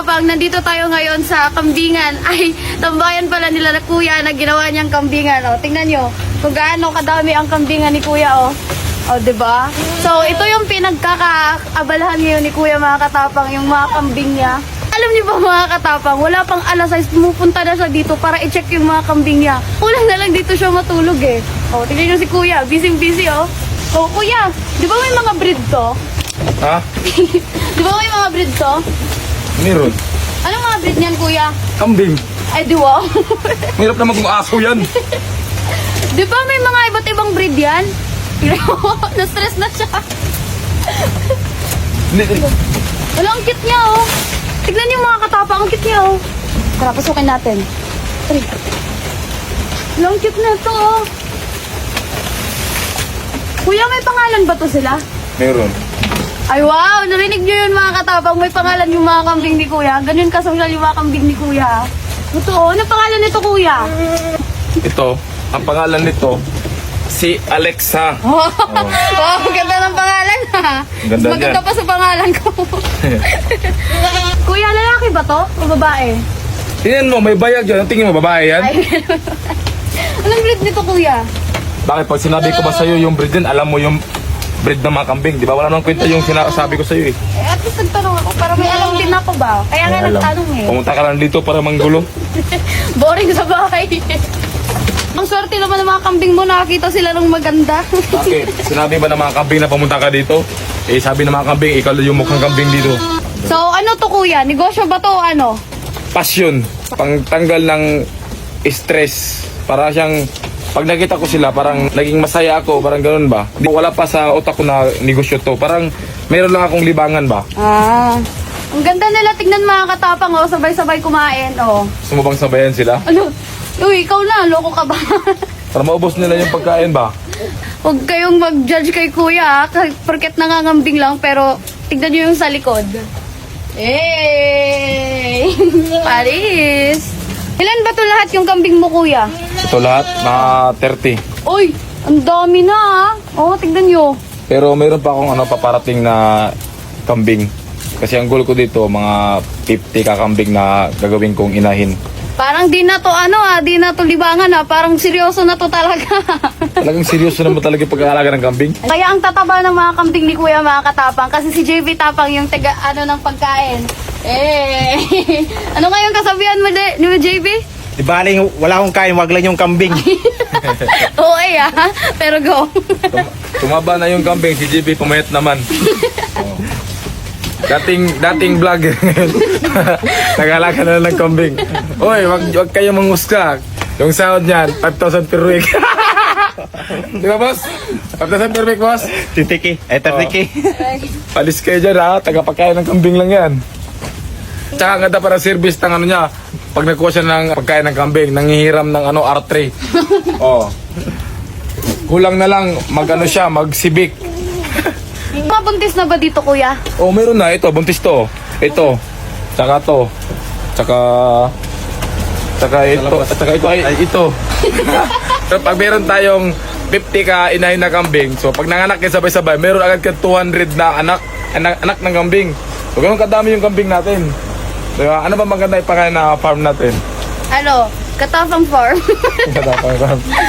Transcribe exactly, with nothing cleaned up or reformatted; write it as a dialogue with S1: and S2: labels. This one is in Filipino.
S1: katapang, nandito tayo ngayon sa kambingan. Ay, tambayan pala nila na kuya na ginawa niyang kambingan. O, tingnan nyo kung gaano kadami ang kambingan ni kuya, o. O, diba? So, ito yung pinagkakaabalahan ngayon ni kuya, mga katapang, yung mga kambing niya. Alam niyo ba, mga katapang, wala pang alas sais, pumupunta na siya dito para i-check yung mga kambing niya. Kulang na lang dito siya matulog eh. O, tingnan nyo si kuya, busy-busy, o. O, kuya, di ba may mga breed to?
S2: Ha?
S1: Di ba may mga breed to?
S2: Meron.
S1: Anong mga breed niyan, kuya?
S2: Kambing.
S1: Ay, di wow.
S2: Mahirap naman kung aso yan.
S1: Di ba may mga iba't ibang breed yan? Na-stress na siya.
S2: Hindi, hindi.
S1: Wala, ang cute niya, oh. Tignan niyo mga katapang, ang cute niya, oh. Tara, pasukin natin. Tara. Wala, ang cute na to, oh. Kuya, may pangalan ba to sila?
S2: Meron.
S1: Ay, wow! Narinig niyo yun, mga katapang. May pangalan yung mga kambing ni kuya. Ganun kasosyal yung mga kambing ni kuya. Totoo. Ano pangalan nito, kuya?
S2: Ito, ang pangalan nito, si Alexa.
S1: Oh. Wow, ganda ng pangalan, ha?
S2: Ganda
S1: Mas maganda
S2: niyan.
S1: pa sa pangalan ko. Kuya, lalaki ba to? O babae?
S2: Tingnan mo, may bayag yan. Ang tingin mo, babae yan?
S1: Ay, anong breed nito, kuya?
S2: Bakit pag sinabi ko ba sa'yo yung breed din, alam mo yung breed ng mga kambing? Di ba? Wala nang kwenta yung sinasabi ko sa'yo eh.
S1: Eh, at least nagtanong ako para may alam din ako ba? Kaya nga
S2: Alam.
S1: nagtanong eh.
S2: Pumunta ka lang dito para manggulo.
S1: Boring sa bahay. Ang swerte naman ng mga kambing mo, nakakita sila ng maganda.
S2: Bakit? Sinabi ba ng mga kambing na pumunta ka dito? Eh, sabi ng mga kambing, ikaw yung mukhang kambing dito.
S1: So, ano to, kuya? Negosyo ba to o ano?
S2: Passion. Pangtanggal ng stress. Para siyang, pag nakita ko sila, parang naging masaya ako, parang ganun ba? Di, wala pa sa utak ko na negosyo to. Parang mayroon lang akong libangan ba?
S1: Ah. Ang ganda nila, tignan mga katapang, oh. Sabay-sabay kumain, oh.
S2: Sumubang sabayan sila.
S1: Ano? Uy, ikaw na, loko ka ba?
S2: Para maubos nila yung pagkain ba?
S1: Huwag kayong mag-judge kay kuya, ah. Kahit porket nangangambing lang, pero tignan nyo yung sa likod. Hey! Paris! Ilan ba to lahat yung kambing mo, kuya?
S2: Ito lahat, mga thirty.
S1: Uy, ang dami na, ah. Oh, tignan nyo.
S2: Pero mayroon pa akong ano, paparating na kambing. Kasi ang goal ko dito, mga fifty kakambing na gagawin kong inahin.
S1: Parang di na to ano ah, di na to libangan ah. Parang seryoso na to talaga.
S2: Talagang seryoso naman talaga yung pag-aalaga ng kambing.
S1: Kaya ang tataba ng mga kambing ni Kuya, mga katapang, kasi si J V Tapang yung taga ano ng pagkain. Eh, ano ngayong kasabihan mo de, ni J V?
S3: Di baling wala akong kain, wag lang yung kambing.
S1: Oo eh ah, pero go.
S2: Tum- tumaba na yung kambing, si J B pumayat naman. Oh. Dating, dating vlogger ngayon. Nag-alaga na lang ng kambing. Uy, wag, wag kayo mangusga. Yung sahod niyan, five thousand per week. Di ba, boss? five thousand per week, boss?
S3: thirty K. Eh, thirty K.
S2: Palis kayo dyan, ha? Tagapagkain ng kambing lang yan. Tsaka ang ganda para service ng ano niya. Pag nakuha siya ng pagkain ng kambing, nangihiram ng ano, R three. Oh. Kulang na lang, mag ano siya, mag-civic.
S1: Mabuntis na ba dito, Kuya?
S2: Oh, meron na. Ito, buntis to. Ito. Tsaka to. Tsaka... Tsaka ito. Tsaka ito. Ay, ay ito. So, pag meron tayong fifty ka inahin na kambing, so pag nanganak ka sabay-sabay, meron agad ka two hundred na anak, anak, anak ng kambing. So, ganun kadami yung kambing natin. Diba? Ano ba maganda ipakain na farm natin?
S1: Ano? Katapang farm.
S2: Katapang farm.